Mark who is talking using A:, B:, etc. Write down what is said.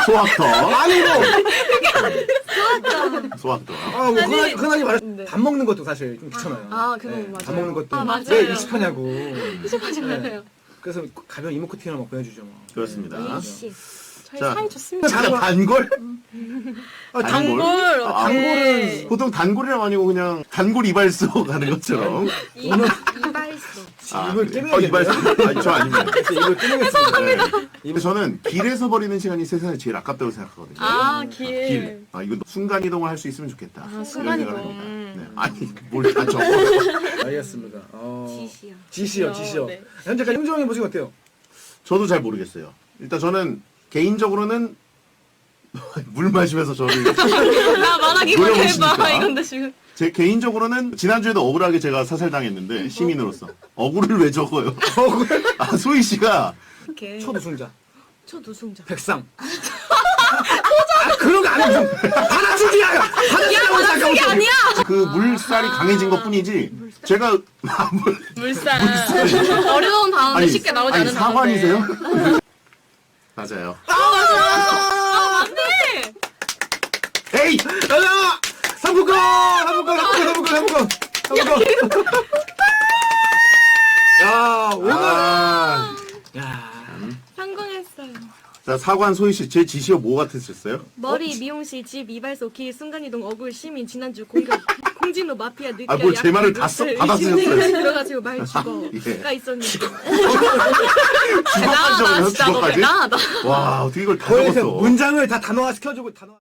A: 소확터.
B: 아니 뭐
A: 소확터.
B: 아, 뭐 흔하게 말해
C: 네.
B: 밥 먹는 것도 사실 좀 귀찮아요.
C: 그거
B: 네,
C: 맞아요.
B: 밥 먹는 것도
C: 아, 맞아요.
B: 왜 익숙하냐고.
C: 휴식하지 말아요.
B: 그래서 가벼운 이모코팅을 막 보내주죠. 뭐.
A: 그렇습니다.
C: 씨. 저희
A: 자.
C: 사이 좋습니다.
A: 자, 단골?
C: 단골.
B: 단골은
A: 보통 단골이랑 아니고 그냥 단골 이발소 가는 것처럼.
C: 이발소.
B: 입을 깨매야
A: 이발소. 아니, 저 아닙니다.
B: 입을 깨매겠습니다.
A: 네. 저는 길에서 버리는 시간이 세상에 제일 아깝다고 생각하거든요.
C: 길.
A: 이건 순간 이동을 할 수 있으면 좋겠다. 이런
C: 순간
A: 생각을
C: 이동.
A: 합니다. 네. 아니, 뭘 다 적어.
B: 알겠습니다.
C: 지시요.
B: 지시요.
C: 네.
B: 현재까지 흥정해 보시면 어때요?
A: 저도 잘 모르겠어요. 일단 저는 개인적으로는 물 마시면서 저를
C: 나 말하기만
A: 노려보시니까.
C: 해봐. 이건데 지금.
A: 제 개인적으로는 지난주에도 억울하게 제가 사살당했는데 시민으로서 억울을 왜 적어요? 소희 씨가
C: 이렇게.
B: 첫 우승자
C: 첫 우승자.
B: 백상. 그런 거 아니야. 하나씩이야. 하나씩이야.
C: 그게 아니야.
A: 그 물살이 강해진 것뿐이지 제가
C: 물살. 어려운 단어인데 쉽게 나오지 않는 단어인데.
A: 사관이세요? 맞아요.
C: 맞네.
A: 에이!
B: 가자. 상품권. 야 오늘. 야.
C: 성공했어요.
A: 자, 사관 소희 씨, 제 지시어 뭐 같으셨어요?
C: 머리, 미용실, 집, 이발소, 길, 순간이동, 억울, 시민, 지난주 공격, 공진호, 마피아, 느껴,
A: 뭘제 말을 다 쓰셨어요.
C: 들어가지고 말 죽어가 있었는데.
A: 주거까지 적어요? 주거까지?
C: 대단하다.
A: 와, 어떻게 이걸 다
B: 거기서
A: 적었어?
B: 문장을 다 단어화 시켜주고 단어.